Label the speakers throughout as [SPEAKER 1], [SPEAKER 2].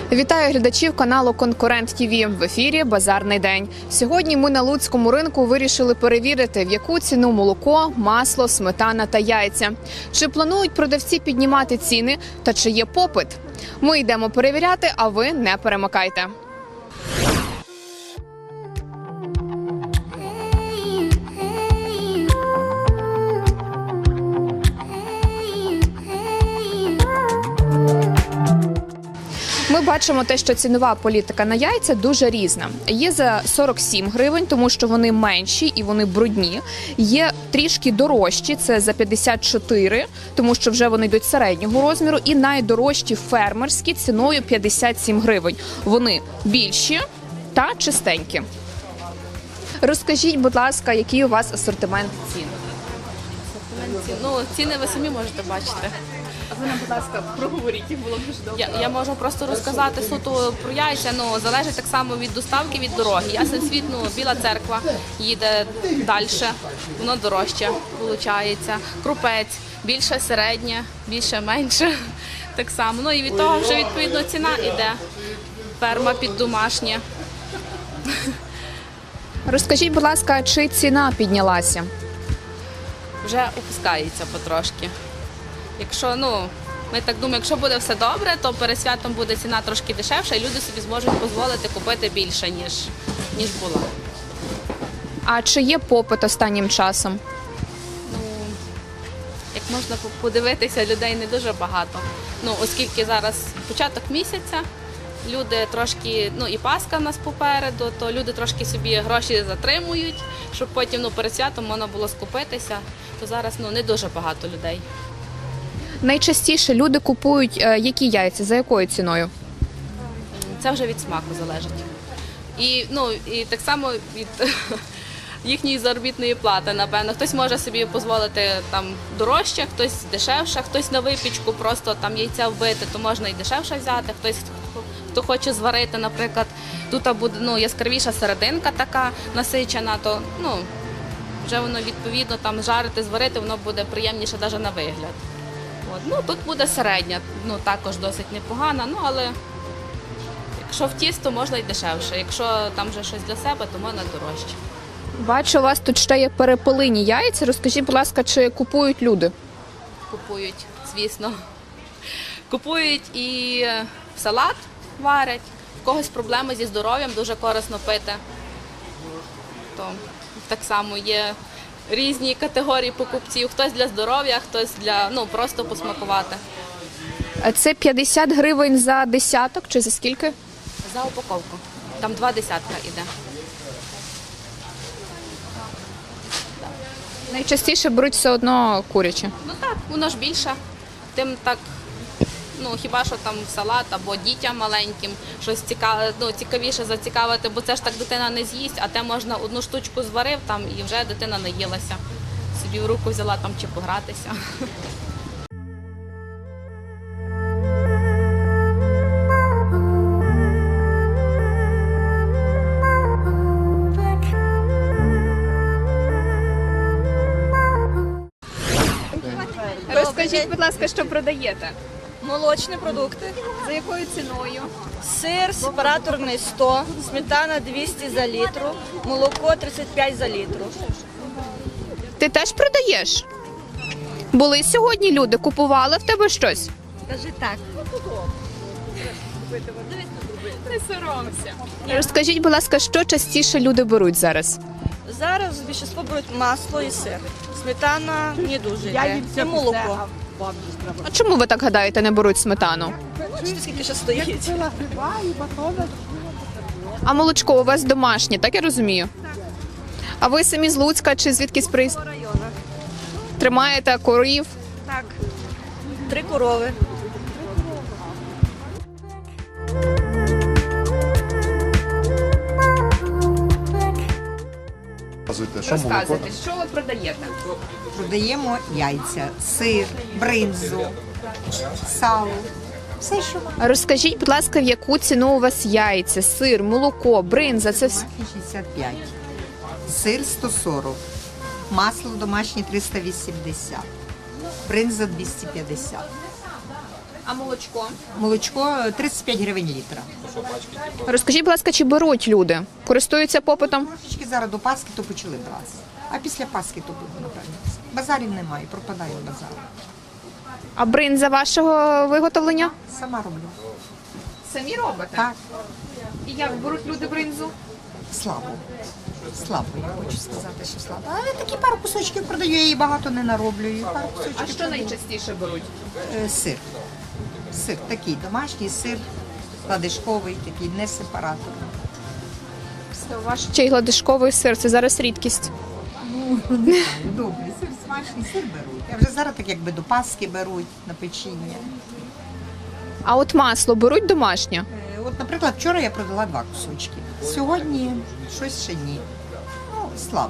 [SPEAKER 1] Вітаю глядачів каналу Конкурент ТІВІ. В ефірі «Базарний день». Сьогодні ми на Луцькому ринку вирішили перевірити, в яку ціну молоко, масло, сметана та яйця. Чи планують продавці піднімати ціни та чи є попит? Ми йдемо перевіряти, а ви не перемикайте. Ми бачимо те, що цінова політика на яйця дуже різна. Є за 47 гривень, тому що вони менші і вони брудні. Є трішки дорожчі, це за 54, тому що вже вони йдуть середнього розміру. І найдорожчі фермерські ціною 57 гривень. Вони більші та чистенькі. Розкажіть, будь ласка, який у вас асортимент цін?
[SPEAKER 2] Ціни ви самі можете бачити.
[SPEAKER 1] А ви нам, будь ласка, проговоріть, їх було б дуже добре.
[SPEAKER 2] Я можу просто розказати суто про яйця, залежить так само від доставки, від дороги. Ясен світ, Біла Церква їде далі, воно дорожче виходить. Крупець, більше середнє, більше менше, так само. І від того вже відповідно ціна йде. Ферма під домашнє.
[SPEAKER 1] Розкажіть, будь ласка, чи ціна піднялася?
[SPEAKER 2] Вже опускається потрошки. Якщо, ми так думаємо, якщо буде все добре, то перед святом буде ціна трошки дешевша і люди собі зможуть дозволити купити більше, ніж була.
[SPEAKER 1] А чи є попит останнім часом?
[SPEAKER 2] Як можна подивитися, людей не дуже багато. Оскільки зараз початок місяця, люди трошки, і Пасха в нас попереду, то люди трошки собі гроші затримують, щоб потім перед святом можна було скупитися, то зараз не дуже багато людей.
[SPEAKER 1] Найчастіше люди купують які яйця, за якою ціною?
[SPEAKER 2] Це вже від смаку залежить. І так само від їхньої заробітної плати, напевно. Хтось може собі дозволити дорожче, хтось дешевше, хтось на випічку просто яйця вбити, то можна і дешевше взяти. Хтось, хто хоче зварити, наприклад, тут буде яскравіша серединка така насичена, то вже воно відповідно жарити, зварити, воно буде приємніше навіть на вигляд. Тут буде середня, також досить непогана, але якщо в тісто, можна й дешевше. Якщо там вже щось для себе, то можна дорожче.
[SPEAKER 1] Бачу, у вас тут ще є перепелині яйця. Розкажіть, будь ласка, чи купують люди?
[SPEAKER 2] Купують, звісно. Купують і в салат варять. В когось проблеми зі здоров'ям, дуже корисно пити. То так само є різні категорії покупців. Хтось для здоров'я, хтось для, просто посмакувати.
[SPEAKER 1] А це 50 гривень за десяток чи за скільки?
[SPEAKER 2] За упаковку. Там 2 десятка йде.
[SPEAKER 1] Найчастіше беруть все одно куряче.
[SPEAKER 2] Так, воно ж більше. Тим так, хіба що там салат або дітям маленьким щось цікавіше зацікавити, бо це ж так дитина не з'їсть, а те можна одну штучку зварив і вже дитина наїлася. Собі в руку взяла чи погратися.
[SPEAKER 1] Розкажіть, будь ласка, що продаєте?
[SPEAKER 3] Молочні продукти.
[SPEAKER 1] За якою ціною?
[SPEAKER 3] Сир сепараторний 100, сметана 200 за літру, молоко 35 за літру.
[SPEAKER 1] Ти теж продаєш? Були сьогодні люди, купували в тебе щось?
[SPEAKER 3] Кажи так.
[SPEAKER 1] Не соромся. Розкажіть, будь ласка, що частіше люди беруть зараз?
[SPEAKER 3] Зараз більшість беруть масло і сир. Сметана не дуже йде. І молоко.
[SPEAKER 1] А чому ви так гадаєте, не беруть сметану?
[SPEAKER 3] Бачите, скільки ще стоїть?
[SPEAKER 1] А молочко у вас домашнє, так я розумію? А ви самі з Луцька чи звідкись
[SPEAKER 3] По районах.
[SPEAKER 1] тримаєте корів?
[SPEAKER 3] Так. 3 корови.
[SPEAKER 1] Розказуйте, що ви продаєте?
[SPEAKER 4] Продаємо яйця, сир, бринзу, сало. Все, що
[SPEAKER 1] Розкажіть, будь ласка, в яку ціну у вас яйця, сир, молоко, бринза, це все?
[SPEAKER 4] 65, сир 140, масло домашнє 380, бринза 250.
[SPEAKER 1] А молочко?
[SPEAKER 4] Молочко 35 гривень літра.
[SPEAKER 1] Розкажіть, будь ласка, чи беруть люди? Користуються попитом?
[SPEAKER 4] Трошечки зараз до Пасхи то почали брати. А після Пасхи то буде, напевно. Базарів немає, пропадає базар.
[SPEAKER 1] А бринза вашого виготовлення?
[SPEAKER 4] Сама роблю.
[SPEAKER 1] Самі робите?
[SPEAKER 4] Так,
[SPEAKER 1] І як беруть люди бринзу?
[SPEAKER 4] слабо. Слабо, я хочу сказати, що слабо. Але такі пару кусочків продаю, я її багато не нароблюю. Пару кусочків
[SPEAKER 1] А що
[SPEAKER 4] продаю.
[SPEAKER 1] найчастіше беруть?
[SPEAKER 4] Сир. Сир такий домашній сир, ладишковий, такий, не сепаратор.
[SPEAKER 1] Ваш чий гладишковий сир, це зараз рідкість.
[SPEAKER 4] Добрий сир, смачний сир беруть. А вже зараз так якби до Пасхи беруть на печіння.
[SPEAKER 1] А от масло беруть домашнє?
[SPEAKER 4] От, наприклад, вчора я продала 2 кусочки. Сьогодні щось ще ні. Ну, слабо.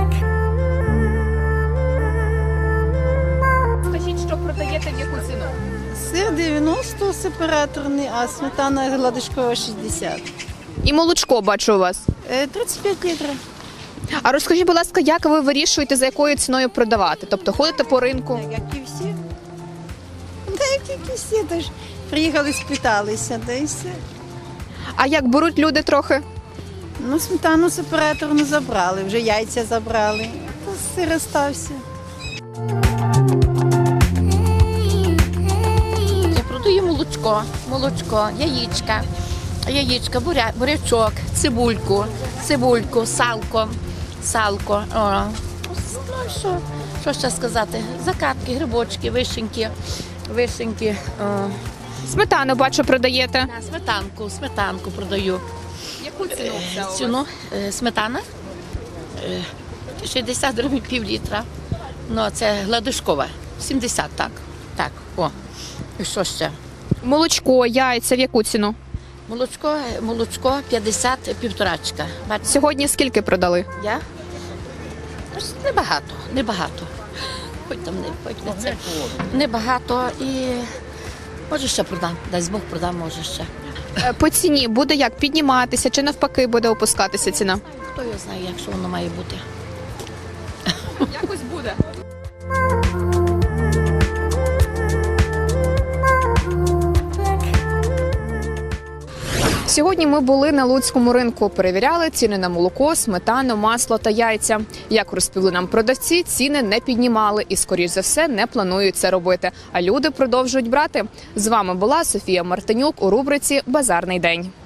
[SPEAKER 1] Скажіть, що продаєте в яку ціну?
[SPEAKER 5] Сир 90 сепараторний, а сметана гладишкова 60.
[SPEAKER 1] І молочко бачу у вас.
[SPEAKER 5] 35 літрів.
[SPEAKER 1] А розкажіть, будь ласка, як ви вирішуєте, за якою ціною продавати? Тобто ходите по ринку?
[SPEAKER 5] Як і всі. Та як і всі, тож приїхали, спиталися, да і все.
[SPEAKER 1] А як беруть люди трохи?
[SPEAKER 5] Ну, сметану сепараторну забрали, вже яйця забрали, то сир остався.
[SPEAKER 6] Я продаю молочко, яєчка, бурячок, цибульку, салко. О. Ну і що ще сказати? Закатки, грибочки, вишеньки. О.
[SPEAKER 1] Сметану, бачу, продаєте.
[SPEAKER 6] Сметанку продаю.
[SPEAKER 1] Яку ціну взяли?
[SPEAKER 6] Ціну сметана 60 гривень пів літра. Ну, це гладишкова, 70, так. Так, о. І що ще?
[SPEAKER 1] Молочко, яйця, в яку ціну?
[SPEAKER 6] Молочко 50 півторачка. Бачите,
[SPEAKER 1] Сьогодні скільки продали?
[SPEAKER 6] я? Ось небагато. Хоч не це. Небагато і може ще продам. Дасть Бог продам, може ще.
[SPEAKER 1] По ціні буде як підніматися чи навпаки буде опускатися ціна?
[SPEAKER 6] Хто його знає, як що воно має бути.
[SPEAKER 1] Якось буде. Сьогодні ми були на Луцькому ринку, перевіряли ціни на молоко, сметану, масло та яйця. Як розповіли нам продавці, ціни не піднімали і, скоріш за все, не планують це робити. А люди продовжують брати. З вами була Софія Мартинюк у рубриці «Базарний день».